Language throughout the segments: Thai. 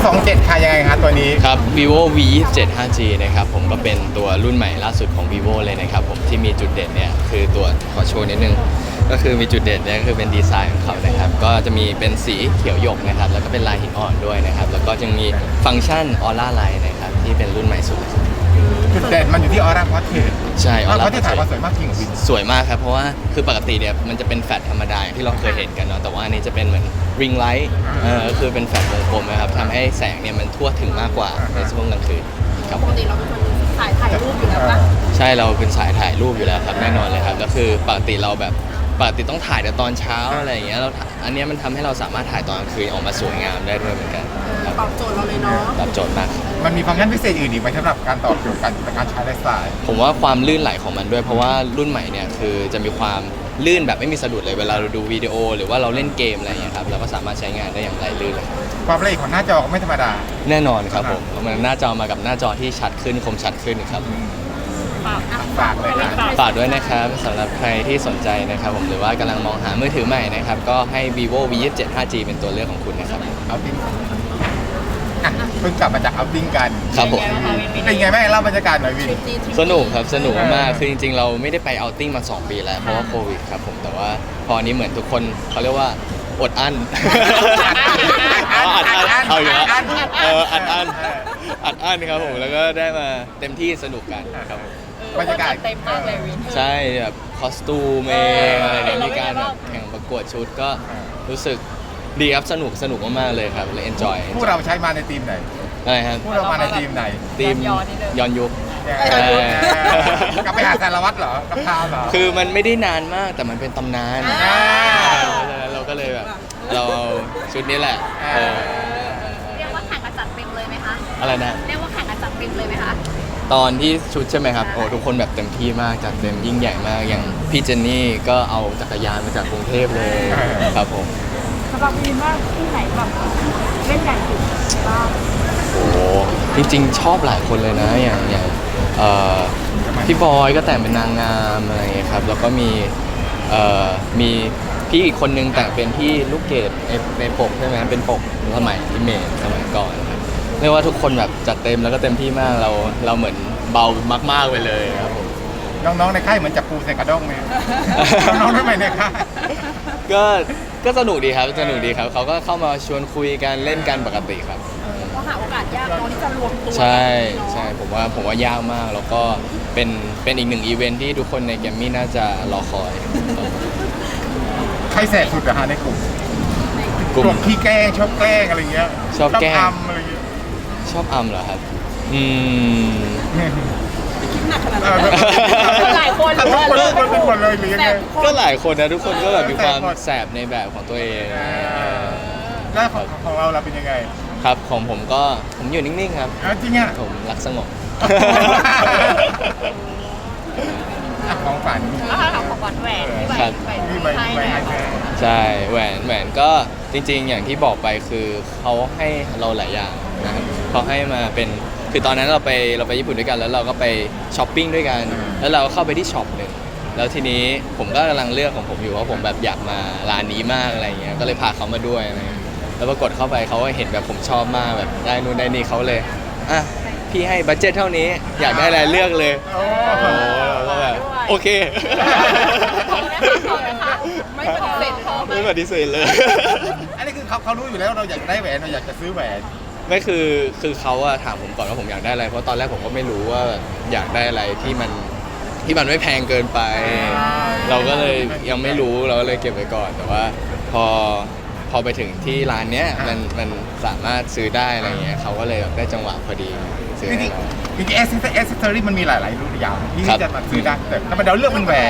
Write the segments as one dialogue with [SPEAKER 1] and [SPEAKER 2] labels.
[SPEAKER 1] 27ค่ะยังไงคะตัวนี้
[SPEAKER 2] ครับ vivo v 27 5G นะครับผมก็เป็นตัวรุ่นใหม่ล่าสุดของ vivo เลยนะครับผมที่มีจุดเด่นเนี่ยคือตัวขอโชว์นิดนึงก็คือมีจุดเด่นเนี่ยคือเป็นดีไซน์ของเขานะครับก็จะมีเป็นสีเขียวหยกนะครับแล้วก็เป็นลายหินอ่อนด้วยนะครับแล้วก็ยังมีฟังก์ชันออร่าไลท์นะครับที่เป็นรุ่นใหม่สุดเลย
[SPEAKER 1] จุดเด่นมันอยู่ที่ออร่าพอเทส
[SPEAKER 2] ใช่ออร่า
[SPEAKER 1] เพราะที่ถ่ายมาสวยมากจริงวิน
[SPEAKER 2] สวยมากครับเพราะว่าคือปกติเนี่ยมันจะเป็นแฟลชธรรมดาอย่างที่เราเคยเห็นกันเนาะแต่ว่าอันนี้จะเป็นเหมือนริงไลท์ก็คือเป็นแฟลชวงกลมนะครับทำให้แสงเนี่ยมันทั่วถึงมากกว่าในช่วงกลางคืนครับ
[SPEAKER 3] ปกติเราเป็นคนถ่ายรูปอยู่แล้วปะ
[SPEAKER 2] ใช่เราเป็นสายถ่ายรูปอยู่แล้วครับแน่นอนเลยครับแล้วคือปกติเราแบบปกติต้องถ่ายแต่ตอนเช้าอะไรอย่างเงี้ยเราอันเนี้ยมันทำให้เราสามารถถ่ายตอนกลางคืนออกมาสวยงามได้ด้วยเหมือนกันครับ
[SPEAKER 3] ตอบโจทย์เราเลยเนาะ
[SPEAKER 2] ตอบโจทย์มาก
[SPEAKER 1] มันมีฟังก์ชันพิเศษอื่นอีกไหมสำหรับการตอบโจทย์การใช้ไลฟ์สไตล์
[SPEAKER 2] ผมว่าความลื่นไหลของมันด้วยเพราะว่ารุ่นใหม่เนี่ยคือจะมีความลื่นแบบไม่มีสะดุดเลยเวลาเราดูวิดีโอหรือว่าเราเล่นเกมอะไรอย่างเงี้ยครับเราก็สามารถใช้งานได้อย่างไหลลื่นเลย
[SPEAKER 1] ความละเอียดของหน้าจอก็ไม่ธรรมดา
[SPEAKER 2] แน่นอนครับผมมันหน้าจอมากับหน้าจอที่ชัดขึ้นคมชัดขึ้นครับ
[SPEAKER 1] ฝากเลยนะ
[SPEAKER 2] ฝากด้วยนะครับสำหรับใครที่สนใจนะครับผมหรือว่ากำลังมองหามือถือใหม่นะครับก็ให้ vivo v 27 5G เป็นตัวเลือกของคุณนะครับ
[SPEAKER 1] เอาติ้งอ่ะเพิ่งกลับมาจากเอาติ้งกัน
[SPEAKER 2] ครับผม
[SPEAKER 1] เป็นไงแม่เล่าบรรยากาศหน่อยวิน
[SPEAKER 2] สนุกครับสนุกมากๆคือจริงๆ เราไม่ได้ไปเอาท์ติ้งมา 2 ปีแล้วเพราะว่าโควิดครับผมแต่ว่าพอนี้เหมือนทุกคนเขาเรียกว่าอดอั้นอัดอั้นเอาอยู่แล้วอัดอั้นครับผมแล้วก็ได้มาเต็มที่สนุกกันครับผม
[SPEAKER 1] บรรยากาศ
[SPEAKER 3] เต็มมากเลยวิน
[SPEAKER 2] ใช่แบบคอสตูมเองอะไรเนี่ยมีการแบบแข่งประกวดชุดก็รู้สึกดีครับสนุกมากๆเลยครับเลย enjoy
[SPEAKER 1] ผู้เราใช้มาในทีมไหน
[SPEAKER 2] อะไรครับ
[SPEAKER 1] ผู้เรามาในทีมไหน
[SPEAKER 2] ทีมย้อนยุค
[SPEAKER 1] กลับไปหาสารวัตรเหรอกับพาวเหรอ
[SPEAKER 2] คือมันไม่ได้นานมากแต่มันเป็นตำนาน
[SPEAKER 1] อ่า
[SPEAKER 2] เพราะฉะนั้นเราก็เลยแบบเราเอาชุดนี้แหละเออ
[SPEAKER 3] เรียกว่าแข่งกันจัดเต็มเลยไหมคะ
[SPEAKER 2] อะไรนะ
[SPEAKER 3] เรียกว่าแข่งกันจัดเต็มเลยไหมคะ
[SPEAKER 2] ตอนที่ชุดใช่ไหมครับโอ้ทุกคนแบบเต็มที่มากจัดเต็มยิ่งใหญ่มากอย่างพี่เจนนี่ก็เอาจักรยานมาจากกรุงเทพเลยครับผม
[SPEAKER 4] สำหรับวินว่าที่ไหนแบบเล่นใหญ่สุดบ้าง
[SPEAKER 2] โอ้จริงๆชอบหลายคนเลยนะอย่างพี่บอยก็แต่งเป็นนางงามอะไรอย่างเงี้ยครับแล้วก็มีพี่อีกคนนึงแต่งเป็นพี่ลูกเกดในปกใช่ไหมเป็นปกสมัยอิเมจสมัยก่อนครับเรียกว่าทุกคนแบบจัดเต็มแล้วก็เต็มที่มากเราเหมือนเบามากๆไปเลยครับผม
[SPEAKER 1] น้องๆในค่ายเหมือนจับปูใส่กระด้งไหมน้องๆทำไมในค่าย
[SPEAKER 2] ก็สนุกดีครับสนุกดีครับเขาก็เข้ามาชวนคุยกันเล่นกันปกติครับ
[SPEAKER 3] ก็หาโอกาสยากเนาะที่จะรวมตัว
[SPEAKER 2] ใช่
[SPEAKER 3] เนาะ
[SPEAKER 2] ใช่ผมว่ายากมากแล้วก็เป็นอีกหนึ่งอีเวนท์ที่ทุกคนในแกรมมี่น่าจะรอคอย
[SPEAKER 1] ใครแสบสุดเหรอฮะในกลุ่ม
[SPEAKER 2] กลุ่
[SPEAKER 1] กลุ่
[SPEAKER 2] ม
[SPEAKER 1] มขี้แกล้งชอบแกล้งอะไรเงี้ย
[SPEAKER 2] ชอบแกล้ง
[SPEAKER 1] ทำอะไรเงี้ย
[SPEAKER 2] ชอบเหรอครับ
[SPEAKER 3] คิดหนักขนาด
[SPEAKER 1] เอ
[SPEAKER 3] นั้น
[SPEAKER 1] อ
[SPEAKER 3] หลายคนห
[SPEAKER 1] ทุ
[SPEAKER 3] รื
[SPEAKER 1] ก
[SPEAKER 3] อว่า
[SPEAKER 1] คนเป็นหมดเลยหรือยังไง
[SPEAKER 2] ก็หลายคนนะทุกคนก็แบบมีความแสบในแบบของตัวเอง
[SPEAKER 1] แล้วของเราเป็นยังไง
[SPEAKER 2] ครับของผมอยู่นิ่งๆครับ
[SPEAKER 1] จริงอ่ะ
[SPEAKER 2] ผมรักสงบ
[SPEAKER 1] ของฝัน
[SPEAKER 3] แล้วถ้าถามของหวานแหวนที่
[SPEAKER 2] ครับ
[SPEAKER 3] ไป
[SPEAKER 1] ที่ใบ
[SPEAKER 3] ให้
[SPEAKER 1] ใบ
[SPEAKER 3] แหว
[SPEAKER 1] ให้
[SPEAKER 3] น
[SPEAKER 1] แม่
[SPEAKER 2] ใช่แหวนก็จริงๆ อย่างที่บอกไปคือเขาให้เราหลายอย่างนะครับเขาให้มาเป็นคือตอนนั้นเราไปญี่ปุ่นด้วยกันแล้วเราก็ไปช้อปปิ้งด้วยกัน แล้วเราก็เข้าไปที่ช็อปหนึ่งแล้วทีนี้ผมก็กำลังเลือกของผมอยู่ว่าผมแบบอยากมาร้านนี้มากอะไรเงี้ยก็เลยพาเขามาด้วยอะไรเงี้ยแล้วปรากฏเข้าไปเขาก็เห็นแบบผมชอบมากแบบได้นู่นได้นี่เขาเลยอ่ะพี่ให้บัดเจ็ตเท่านี้อยากได้อะไรเลือกเลย
[SPEAKER 1] โอ้
[SPEAKER 2] โอ้เราก็แบบโอเค
[SPEAKER 3] ไม่ปฏิเสธเขา
[SPEAKER 2] ไม่ปฏิเสธเลย
[SPEAKER 1] อันนี้คือเขารู้อยู่แล้วเราอยากได้แหวนเราอยากจะซื้อแหวน
[SPEAKER 2] ไม่คือเขาอะถามผมก่อนว่าผมอยากได้อะไรเพราะตอนแรกผมก็ไม่รู้ว่าอยากได้อะไรที่มันไม่แพงเกินไป เราก็เลยยังไม่รู้เราก็เลยเก็บไว้ก่อน แต่ว่าพอไปถึงที่ร้านเนี้ยมันสามารถซื้อได้อะไรเงี้ยเขาก็เลยแบบได้จังหวะพอดีซื้อ
[SPEAKER 1] จริ
[SPEAKER 2] ให้
[SPEAKER 1] ง
[SPEAKER 2] เรา
[SPEAKER 1] ๆจริงๆแอสเซสซอรี่มันมีหลายๆรุ่นอย่างที่
[SPEAKER 2] ครับ
[SPEAKER 1] จะมาซื้อได้แต่ทำไมเราเลือกเป็นแหวน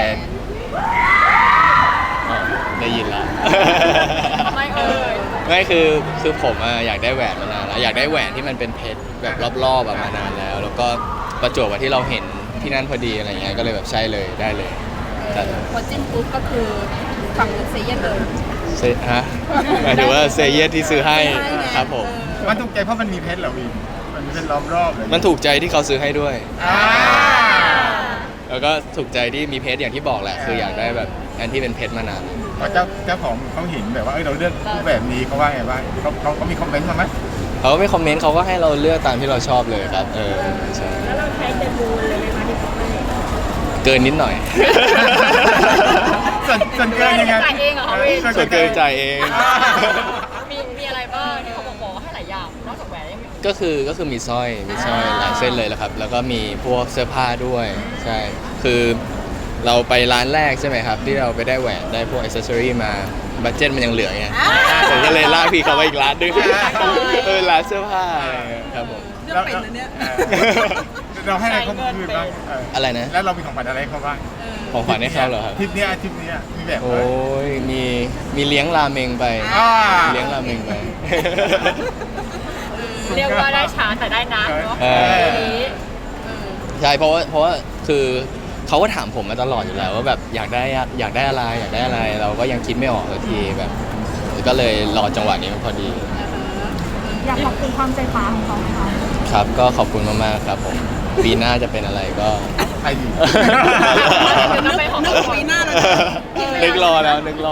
[SPEAKER 2] อ๋อได้ยินแล้ว
[SPEAKER 3] ไม่เอ่ย
[SPEAKER 2] ไม่คือผมอะอยากได้แหวนมานานแล้วอยากได้แหวนที่มันเป็นเพชรแบบรอบๆแบบมานานแล้ว แล้วก็ประจวบกับที่เราเห็นที่นั่นพอดีอะไรเงี้ยก็เลยแบบใช่เลยได้เลยจัด
[SPEAKER 3] พอจิ้มปุ๊บก็คือฝั่งนู้นเซเยนเลย
[SPEAKER 2] ฮะหมายถึงว่าเซเยสที่ซื้อให้ครับผม
[SPEAKER 1] มันถูกใจเพราะมันมีเพชรเหรอวินมันมีเพชรล้อมรอบเลย
[SPEAKER 2] มันถูกใจที่เขาซื้อให้ด้วย
[SPEAKER 1] อ่า
[SPEAKER 2] แล้วก็ถูกใจที่มีเพชรอย่างที่บอกแหละ คืออยากได้แบบอันที่เป็นเพชรมานาน
[SPEAKER 1] พอเจ้าของเขาเห็นแบบว่าเราเลือกรูปแบบนี้เขาว่าไงบ้างเขามีคอมเมนต์มาไหม
[SPEAKER 2] เขาก็ไม่คอมเมนต์เขาก็ให้เราเลือกตามที่เราชอบเลยครับใช่
[SPEAKER 4] แล้วเราใช้เดมูลเลยไหมคะที่เขาให้
[SPEAKER 2] เกินนิดหน่อย
[SPEAKER 1] ส่วนเกินยังไง
[SPEAKER 3] จ่ายเองเหรอคะพี่
[SPEAKER 2] ส่วนเกินจ่ายเอง
[SPEAKER 3] มีอะไรบ้างที่เขาบอกว่าให้หลายอย่างนอกจากแหวนยังมี
[SPEAKER 2] ก็คือมีสร้อยหลายเส้นเลยแหละครับ แล้วก็มีพวกเสื้อผ้าด้วยใช่คือเราไปร้านแรกใช่ไหมครับ ที่เราไปได้แหวนได้พวกอิสเซอรี่มาบัดเจ็ตมันยังเหลือไงผมก็เลยลากพี่เขาไปอีกร้านนึงร้านเสื้อผ้าอะไรอย่างเงี้ยครับผม
[SPEAKER 1] เรื่องเป็นนะเนี่ยเราให้อะไรเขาคืนบ้าง
[SPEAKER 2] อะไรนะ
[SPEAKER 1] แล้วเรามีของขวัญอะไรให้เขาบ้าง
[SPEAKER 2] ของขวัญให้เขาเหรอครับ
[SPEAKER 1] ทริปเนี้ยมีแบบ
[SPEAKER 2] โอ้ยมีเลี้ยงราเมงไป
[SPEAKER 1] อ่า
[SPEAKER 2] เลี้ยงราเมงไป
[SPEAKER 3] เรียกว่าได้ช้าแต่ได้นะเนาะ
[SPEAKER 2] เออ
[SPEAKER 3] ทีนี้
[SPEAKER 2] ใช่เพราะว่าคือเขาก็ถามผมมาตลอดอยู่แล้วว่าแบบอยากได้อะไรอยากได้อะไร เราก็ยังคิดไม่ออกสักทีแบบ ก็เลยรอจังหวะนี้มันพอดี
[SPEAKER 4] อยากขอบคุณความใจฟ้าของเขาไหมคะ
[SPEAKER 2] ครับก็ขอบคุณมากๆครับผมปีหน้าจะเป็นอะไรก็
[SPEAKER 1] ใครอยู่
[SPEAKER 3] นึกไปของปีหน้าเลย
[SPEAKER 2] นึกรอแล้ว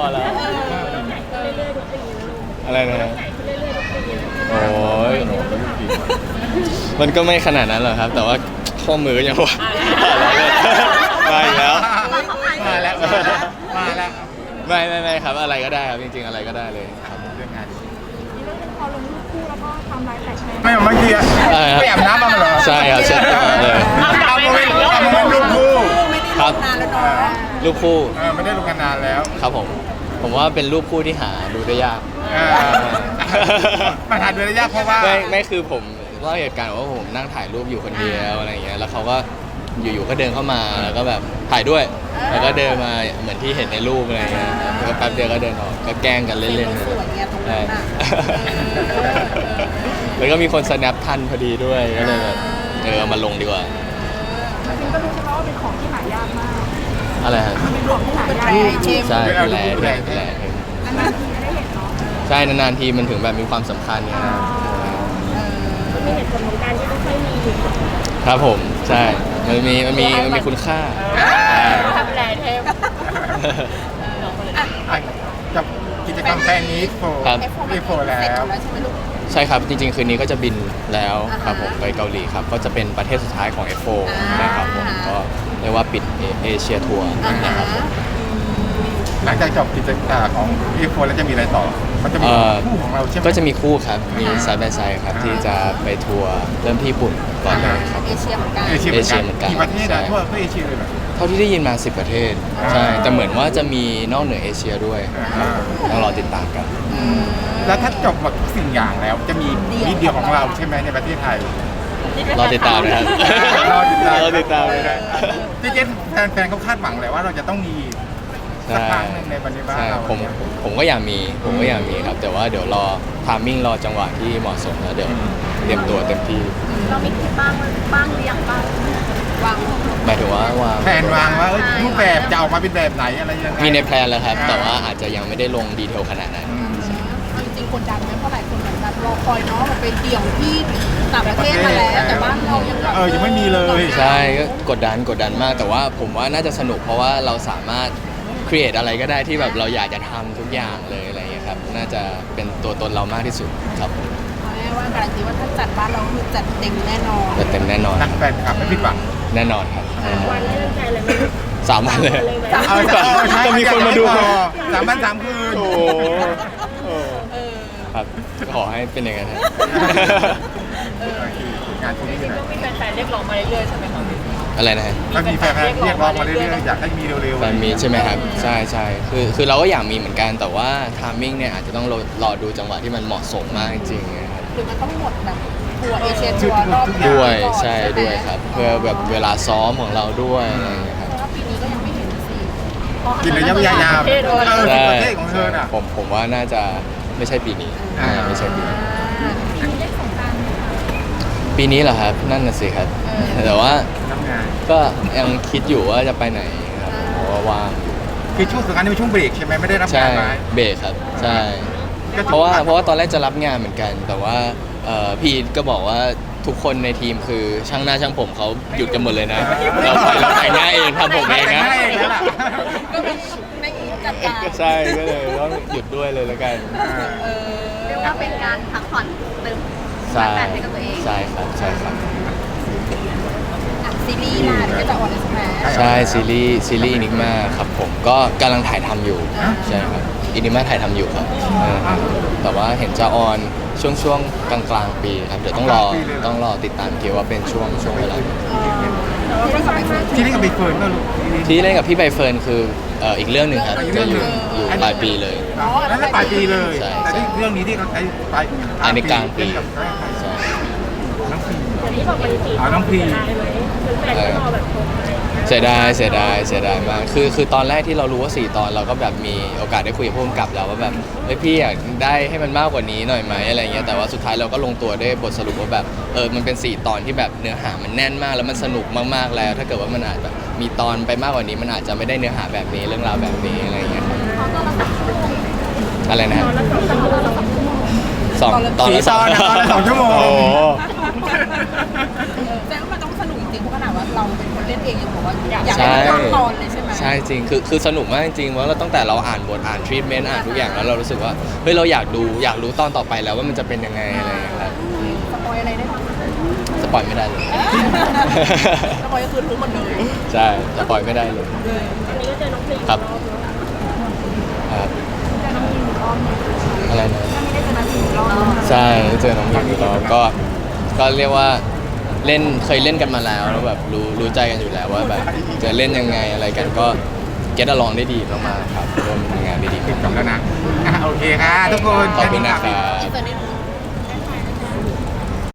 [SPEAKER 2] อะไรนะโอ้ยมันก็ไม่ขนาดนั้นหรอกครับ แต่ว่าข้อมือก็ยังว่ามาอีกแล้ว
[SPEAKER 1] มาแล้ว
[SPEAKER 2] ไม่ครับอะไรก็ได้ครับจริงๆอะไรก็ได้เลยครับ
[SPEAKER 1] เรื่องงาน
[SPEAKER 4] นี่ก็เป็นพอลงรูปคู่แล้วก็ทำลายแตกแชร์
[SPEAKER 1] ไม่เมื่อกี้ไปอาบน้ำมาเหรอ
[SPEAKER 2] ใช่ครับเช็ดเลย
[SPEAKER 1] เอาโมเมนต์รูปคู่
[SPEAKER 2] ครับรูปคู่
[SPEAKER 1] ไม่ได้ลงกันนานแล้ว
[SPEAKER 2] ครับผมว่าเป็นรูปคู่ที่หาดูได้ยาก
[SPEAKER 1] ปัญหาเดือนยากเพราะว่า
[SPEAKER 2] ไม่คือผมเล่าเหตุการณ์ว่าผมนั่งถ่ายรูปอยู่คนเดียวอะไรอย่างเงี้ยแล้วเขาก็อยู่ๆก็เดินเข้ามาแล้วก็แบบถ่ายด้วย แล้วก็เดินมาเหมือนที่เห็นในรูปอะไรเงี้ยแล้วก็แป๊บเดียวก็เดินออกก็แกล้งกันเล่นๆใช่แล้วก็มีคนสแนปทันพอดีด้วยก็เลยแบบเอามาลงดีกว่า
[SPEAKER 4] จริงๆก็รู้ใช่ไหมว่าเป็นของที่หายากมาก
[SPEAKER 2] อะไรฮะ
[SPEAKER 4] เป็นของที่หายาก
[SPEAKER 2] ใช่เป็นแร่
[SPEAKER 4] นานๆทีจะได้เห็นเนาะ
[SPEAKER 2] ใช่นานๆทีมันถึงแบบมีความสำคัญเนี่ยนะ
[SPEAKER 4] มีเหตุผลของการที่ไม่ค่อยมี
[SPEAKER 2] ครับผมใช่มันมีคุณค่า
[SPEAKER 3] ทำแลเทพ
[SPEAKER 1] กับกิจกรรมแฟนนี้โฟ
[SPEAKER 2] ครับ
[SPEAKER 1] รีโฟแล้ว
[SPEAKER 2] ใช่ครับจริงๆคืนนี้ก็จะบินแล้วครับผมไปเกาหลีครับก็จะเป็นประเทศสุดท้ายของ F4 นะครับผมก็เรียกว่าปิดเอเชียทัวร์นะครับผม
[SPEAKER 1] หลังจากจบกิจกรรมของรีโฟแล้วจะมีอะไรต่อมันจะมีคู่ของเราใช่ไหม
[SPEAKER 2] ก็จะมีคู่ครับมีไซด์บายไซด์ครับที่จะไปทัวร์เริ่มที่ญี่ปุ่นก่อนเลยครับ
[SPEAKER 3] เอเชียเหมือนกัน
[SPEAKER 1] เอเชียเหมือนกันกี่ประเทศอะทั่วเอเชียเลยเหรอ
[SPEAKER 2] เท่าที่ได้ยินมา10 ประเทศใช่แต่เหมือนว่าจะมีนอกเหนือเอเชียด้วยต้องรอติดตามกัน
[SPEAKER 1] แล้วถ้าจบหมดทุกสิ่งอย่างแล้วจะมีนิดเดียวของเราใช่ไหมในประเทศไทย
[SPEAKER 2] รอติดตามนะครับ
[SPEAKER 1] รอติดตาม
[SPEAKER 2] รอติดตามเลยนะ
[SPEAKER 1] จริงๆแฟนๆเขาคาดหวังเลยว่าเราจะต้องมีสักครั้งหนึ่งในบรรดา
[SPEAKER 2] ใช่
[SPEAKER 1] เรา
[SPEAKER 2] ผมก็อยากมีครับ แต่ว่าเดี๋ยวรอทามมิ่งรอจังหวะที่เหมาะสมแล้วเดี๋ยวเตรียมตัวเต็มที่
[SPEAKER 3] เรามีคิดบ้างหรือยังบ้างวาง
[SPEAKER 2] หมายถึงว่าวาง
[SPEAKER 1] แผนวางว่ารูปแบบจะออกมาเป็นแบบไหนอะไรยังไง
[SPEAKER 2] มีในแพลนแล้วครับ แต่ว่าอาจจะยังไม่ได้ลงดีเทลขนาดนั้น
[SPEAKER 3] จริงๆคนดังไหมเพราะหลายคนเหมือนกันรอคอยเนาะมันเป็นเดี่ยวที่ต่างประเทศมาแล้วแต่บ้านเรายังแบบ
[SPEAKER 1] ยังไม่มีเลย
[SPEAKER 2] ใช่ก็กดดันมาก แต่ว่าผมว่าน่าจะสนุกเพราะว่าเราสามารถครีเอทอะไรก็ได้ที่แบบเราอยากจะทำทุกอย่างเลยอะไรอย่างเงี้ยครับน่าจะเป็นตัวตนเรามากที่สุดครับ
[SPEAKER 3] เอาง่ายๆว่าการันตีว่าถ้าจัดบ้านเราคือจัดเต็มแน่นอน
[SPEAKER 2] จะเต็มแน่นอน
[SPEAKER 1] นักแฟนคลับไม่ผิดหวัง
[SPEAKER 2] แน่นอนครับ
[SPEAKER 4] วันนี้ตั้งใจเลยไหม
[SPEAKER 2] 3 วันเลย
[SPEAKER 4] เลยไหม
[SPEAKER 2] จะมีคนมาดู
[SPEAKER 1] 3 คืน
[SPEAKER 2] โอ้โหครับขอให้เป็นอย่างนั้นครับ
[SPEAKER 1] งานพวกนี้
[SPEAKER 3] ก็มีแฟนๆเรียกร้องมาเรื่อยๆใช่ไหมคะ
[SPEAKER 2] อะไรนะฮะ
[SPEAKER 1] มันมีแฟนๆเรียกร้องมาเรื่อยๆอยากให้มีเร็วๆ
[SPEAKER 2] แฟนมีใช่ไหมครับใช่คือเราก็อยากมีเหมือนกันแต่ว่าทามมิ่งเนี่ยอาจจะต้องรอดูจังหวะที่มันเหมาะสมมากจริงๆนะครับ
[SPEAKER 3] หรือมันต้องหมดแบบทัวร์เอเชียทัวร์รอบ
[SPEAKER 2] ด้วยใช่ด้วยครับ เพื่อแบบเวลาซ้อมของเราด้วยอะไรอย่างเงี้ยครับ
[SPEAKER 3] เพราะว่าปีนี้ก็ยังไม่เห็นสิ
[SPEAKER 1] กินระยะเวลายาว
[SPEAKER 2] ใช่
[SPEAKER 1] ประเทศของเธอน่ะ
[SPEAKER 2] ผมว่าน่าจะไม่ใช่ปีนี้ไม่ใช่ปีนี้ปีนี้เหรอครับนั่นน่ะสิครับแต่ว่า
[SPEAKER 1] ทำงาน
[SPEAKER 2] ก็ยังคิดอยู่ว่าจะไปไหนครับเพราะว่าว่างอยู่
[SPEAKER 1] คือช่วงสงกรานต์นี่เป็นช่วงเบรกใช่ไหมไม่ได้รับ
[SPEAKER 2] ใช่
[SPEAKER 1] งานไหม
[SPEAKER 2] เบรกครับใช่เพราะว่าตอนแรกจะรับงานเหมือนกัน แต่ว่าพี่อีทก็บอกว่าทุกคนในทีมคือช่างหน้าช่างผมเขาหยุดกันหมดเลยนะเราแต่งหน้าเองทำผมเองนะ
[SPEAKER 1] แต่งหน้าเองแล้วล่ะ
[SPEAKER 3] ก็เป็นไม่จัดการ
[SPEAKER 2] ใช่ก็เลยต้องหยุดด้วยเลยแล้วกัน
[SPEAKER 3] เรียกว่าเป็นการพักผ่อนเติม
[SPEAKER 2] ใช่
[SPEAKER 3] ชาร์จแบตให้กับตัวเอง
[SPEAKER 2] ใช่ครับใช่ครับ
[SPEAKER 3] อ่ะซีรีส์ล่ะเดี๋ยวก็จะออนเลยใช่ไหม
[SPEAKER 2] ใช่ซีรีส์อินิกมาครับผมก็กำลังถ่ายทำอยู่ใช่ครับอินิกมาถ่ายทำอยู่ครับแต่ว่าเห็นจะออนช่วงกลางปีครับเดี๋ยวต้องรอติดตามเกี่ยวว่าเป็นช่วงเวลา
[SPEAKER 4] แต่ว่าก็สร้างมาก
[SPEAKER 1] ที่นี่กับใบเฟิร์นก็รู้
[SPEAKER 2] ที่เล่นกับพี่ใบเฟิร์นคืออีกเรื่องหนึ่งครับจะอยู่ปลายปีเลย
[SPEAKER 1] นั่นแหละปลายปีเลย
[SPEAKER 2] ใช่
[SPEAKER 1] แต่เรื่องนี้ที่เขาใช้ปลาย
[SPEAKER 2] อันนี้กลางปี
[SPEAKER 1] เล่นกับ
[SPEAKER 2] ใช่
[SPEAKER 1] น้องพี
[SPEAKER 4] อย่างที่บอกไปสี่
[SPEAKER 1] น้องพี
[SPEAKER 4] ได้ไหมคือแฟนก็รอแบบคงอะไรอย่างเงี้ย
[SPEAKER 2] เสียดายมากคือตอนแรกที่เรารู้ว่า4 ตอนเราก็แบบมีโอกาสได้คุยกับผู้กำกับแล้วว่าแบบเฮ้ยพี่อยากได้ให้มันมากกว่านี้หน่อยไหมอะไรเงี้ยแต่ว่าสุดท้ายเราก็ลงตัวได้บทสรุปว่าแบบมันเป็น4 ตอนที่แบบเนื้อหามันแน่นมากแล้วมันสนุกมากๆแล้ว ถ้าเกิดว่ามันอาจแบบมีตอนไปมากกว่านี้มันอาจจะไม่ได้เนื้อหาแบบนี้เรื่องราวแบบนี้อะไรเงี้ยครับอะไรนะ
[SPEAKER 4] ตอนละ2 ชั่วโมง
[SPEAKER 2] สองตอนละ
[SPEAKER 1] 4 ตอนนะตอนละ2 ชั่วโมง
[SPEAKER 2] โอ้โห
[SPEAKER 3] แต่ว่ามันต้องสนุกจริงๆเพราะขนาดว่าเราเป็นคนเล่นเองยังบอกว่าอยาก
[SPEAKER 2] ใช่
[SPEAKER 3] ให้ทั้งตอนเลยใช่ไหม
[SPEAKER 2] ใช่จริงคือสนุกมากจริงๆว่าเราตั้งแต่เราอ่านบทอ่านทรีทเมนต์อ่านทุกอย่างแล้วเรารู้สึกว่าเฮ้ยเราอยากรู้ตอนต่อไปแล้วว่ามันจะเป็นยังไงอะไรอย่างเงี้ยครับ
[SPEAKER 3] สปอยอะไรได้บ้าง
[SPEAKER 2] สปอยไม่ได้เลย
[SPEAKER 3] สปอยก็คือรู้หมดเลย
[SPEAKER 2] ใช่สปอยไม่ได้เลย
[SPEAKER 4] อันนี้ก็เจอน้องพลี
[SPEAKER 2] ครับ
[SPEAKER 4] รอบเนาะ
[SPEAKER 2] ครับ
[SPEAKER 4] เจอน้องพลีรอบเนี่ย
[SPEAKER 2] อะไรนะ
[SPEAKER 4] ถ้าไม่ได้เจอน้องพลีรอบเนาะ
[SPEAKER 2] ใช่เจอน้องหมิวอีกรอบก็เรียกว่าเคยเล่นกันมาแล้วแล้วแบบรู้ใจกันอยู่แล้วว่าแบบจะเล่นยังไงอะไรกันก็เก็ตอลองได้ดีมากๆครับร่วมทำงานได้ดี
[SPEAKER 1] ติดกับแล้วนะโอเคค่ะทุกคน
[SPEAKER 2] ขอบคุณนะครับ
[SPEAKER 3] อินเตอร์เน็ต